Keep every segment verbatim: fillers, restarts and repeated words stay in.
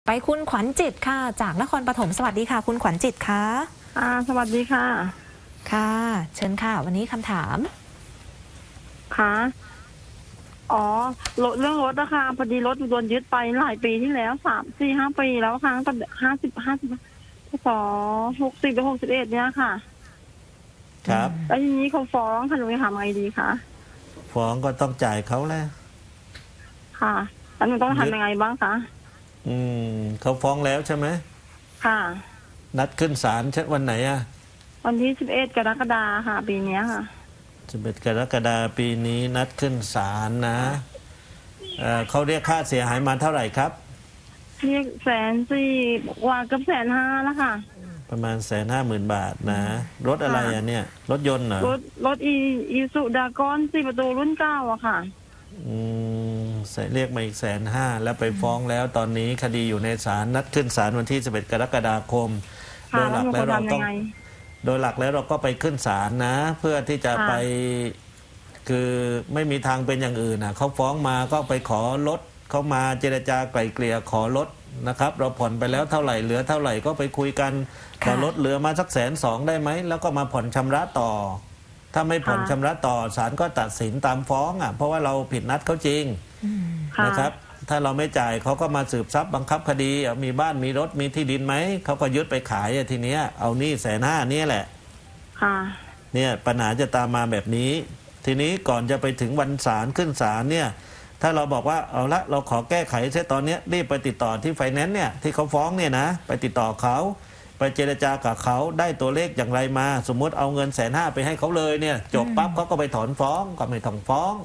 ไปคุณขวัญจิตค่ะจากนครปฐมสวัสดีค่ะคุณขวัญจิตค่ะอ่าสวัสดีค่ะค่ะเชิญค่ะวันนี้คำถามค่ะอ๋อรถเรื่องรถนะคะพอดีรถโดนยึดไปหลายปีที่แล้วสามสี่ห้าปีแล้วครั้งตั้งแต่ห้าสิบห้าสิบสองหกสิบไปหกสิบเอ็ดเนี้ยค่ะครับแล้วทีนี้เขาฟ้องค่ะหนูจะทำไงดีคะฟ้องก็ต้องจ่ายเขาแหละค่ะแล้วหนูต้องทำยังไงบ้างคะอืมเขาฟ้องแล้วใช่ไหมค่ะนัดขึ้นศาลเช่นวันไหนอ่ะวันที่สิบเอ็ดกรกฎาค่ะปีนี้ค่ะสิบเอ็ดกรกฎาปีนี้นัดขึ้นศาลนะเอ่อเขาเรียกค่าเสียหายมาเท่าไหร่ครับเรียกแสนสี่กว่าเกือบแสนห้าแล้วค่ะประมาณแสนห้าหมื่นบาทนะรถอะไรอ่ะเนี่ยรถยนต์เหรอรถรถอีอีสุดากอนสี่ประตูรุ่นเก้าอะค่ะอืมเรียกมาอีกแสนห้าแล้วไปฟ้องแล้วตอนนี้คดีอยู่ในศาลนัดขึ้นศาลวันที่สิบเอ็ดกรกฎาคมโดยหลักแล้วเราต้องโดยหลักแล้วเราก็ไปขึ้นศาลนะเพื่อที่จะไปคือไม่มีทางเป็นอย่างอื่นนะเขาฟ้องมาก็ไปขอลดเขามาเจรจาไกล่เกลี่ยขอลดนะครับเราผ่อนไปแล้วเท่าไหร่เหลือเท่าไหร่ก็ไปคุยกันขอลดเหลือมาสักแสนสองได้ไหมแล้วก็มาผ่อนชำระต่อถ้าไม่ผ่อนชำระต่อศาลก็ตัดสินตามฟ้องอ่ะเพราะว่าเราผิดนัดเขาจริงนะครับถ้าเราไม่จ่ายเขาก็มาสืบทรัพย์บังคับคดีมีบ้านมีรถมีที่ดินไหมเขาก็ยึดไปขายทีเนี้ยเอานี่แสนห้านี่แหละเนี่ยปัญหาจะตามมาแบบนี้ทีนี้ก่อนจะไปถึงวันศาลขึ้นศาลเนี่ยถ้าเราบอกว่าเอาละเราขอแก้ไขเสียตอนนี้รีบไปติดต่อที่ไฟแนนซ์เนี่ยที่เขาฟ้องเนี่ยนะไปติดต่อเขาไปเจรจากับเขาได้ตัวเลขอย่างไรมาสมมติเอาเงินแสนห้าไปให้เขาเลยเนี่ยจบปั๊บเขาก็ไปถอนฟ้องก็ไม่ต้องฟ้อง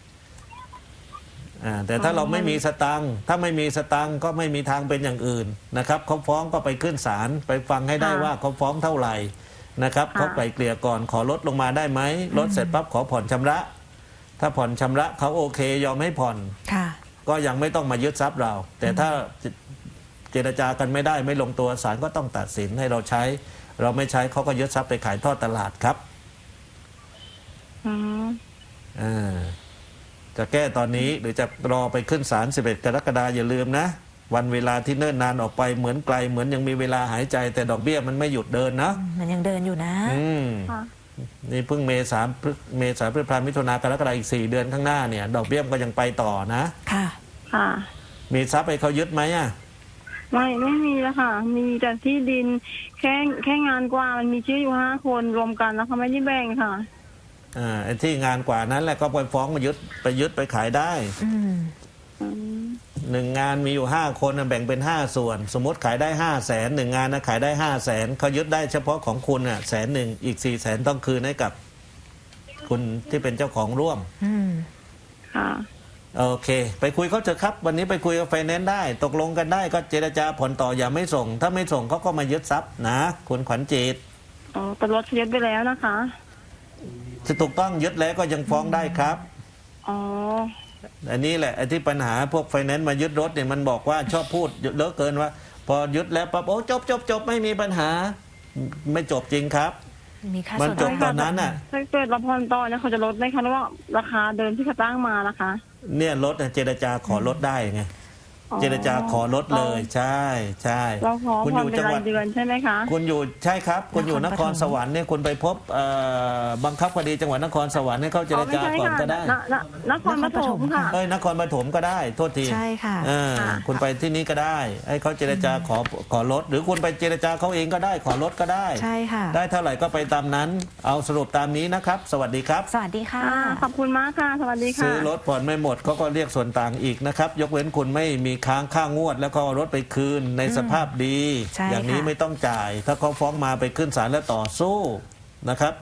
อ่าแต่ถ้าเราไม่มีสตังค์ถ้าไม่มีสตังค์ก็ไม่มีทางเป็นอย่างอื่นนะครับเขาฟ้องก็ไปขึ้นศาลไปฟังให้ได้ว่าเขาฟ้องเท่าไหร่นะครับเขาไกล่เกลี่ยก่อนขอลดลงมาได้ไหมลดเสร็จปั๊บขอผ่อนชำระถ้าผ่อนชำระเขาโอเคยอมให้ผ่อนก็ยังไม่ต้องมายึดทรัพย์เราแต่ถ้าเจรจากันไม่ได้ไม่ลงตัวศาลก็ต้องตัดสินให้เราใช้เราไม่ใช้เขาก็ยึดทรัพย์ไปขายทอดตลาดครับอ่าจะแก้ตอนนี้หรือจะรอไปขึ้นศาลสิบเอ็ดกรกฎาคมอย่าลืมนะวันเวลาที่เนิ่นนานออกไปเหมือนไกลเหมือนยังมีเวลาหายใจแต่ดอกเบี้ยมันไม่หยุดเดินนะมันยังเดินอยู่นะอืมนี่เพิ่งเมษาเมษาพฤษภาคมมิถุนากรกฎาคมอีกสี่เดือนข้างหน้าเนี่ยดอกเบี้ยก็ยังไปต่อนะค่ะค่ะมีทรัพย์ให้เขายึดไหมอ่ะไม่ไม่มีแล้วค่ะมีแต่ที่ดินแค่แค่งานกว่ามันมีชื่ออยู่ห้าคนรวมกันแล้วเขาไม่ได้แบ่งค่ะอ่าไอ้ที่งานกว่านั้นแหละก็ไปฟ้องมายึดไปยึดไปขายได้หนึ่งงานมีอยู่ห้าคนแบ่งเป็นห้าส่วนสมมติขายได้ห้าแสนหนึ่งงานนะขายได้ห้าแสนเขายึดได้เฉพาะของคุณอ่ะแสนหนึ่งอีกสี่แสนต้องคืนให้กับคุณที่เป็นเจ้าของร่วมค่ะโอเคไปคุยเขาเถอะครับวันนี้ไปคุยกับไฟแนนซ์ได้ตกลงกันได้ก็เจรจาผ่อนต่ออย่าไม่ส่งถ้าไม่ส่งเขาก็มายึดทรัพย์นะคุณขวัญจิตอ๋อแต่รถยึดไปแล้วนะคะจะถูกต้องยึดแล้วก็ยังฟ้องได้ครับอ๋ออันนี้แหละไอ้ที่ปัญหาพวกไฟแนนซ์มายึดรถเนี่ยมันบอกว่าชอบพูดเยอะเกินว่าพอยึดแล้วปั๊บโอ้จบจบจบไม่มีปัญหาไม่จบจริงครับมันจบตอนนั้นน่ะถ้าเกิดเราผ่อนต่อเนี่ยเขาจะลดไหมคะหรือว่าราคาเดิมที่เขาตั้งมานะคะเนี่ยลดเจรจาขอลดได้ไงเจรจาขอลดเลยใช่ใช่เราขอผ่อนเป็นรายเดือนใช่ไหมคะคุณอยู่ใช่ครับคุณอยู่นครสวรรค์เนี่ยคุณไปพบบังคับคดีจังหวัดนครสวรรค์ให้เขาเจรจาก่อนก็ได้นครปฐมค่ะเอ้ยนครปฐมก็ได้โทษทีใช่ค่ะคุณไปที่นี้ก็ได้ให้เขาเจรจาขอขอลดหรือคุณไปเจรจาเขาเองก็ได้ขอลดก็ได้ใช่ค่ะได้เท่าไหร่ก็ไปตามนั้นเอาสรุปตามนี้นะครับสวัสดีครับสวัสดีค่ะขอบคุณมากค่ะสวัสดีค่ะซื้อรถผ่อนไม่หมดเขาก็เรียกส่วนต่างอีกนะครับยกเว้นคุณไม่มีค้างค่างวดแล้วก็รถไปคืนในสภาพดีอย่างนี้ไม่ต้องจ่ายถ้าเขาฟ้องมาไปขึ้นศาลแล้วต่อสู้นะครับ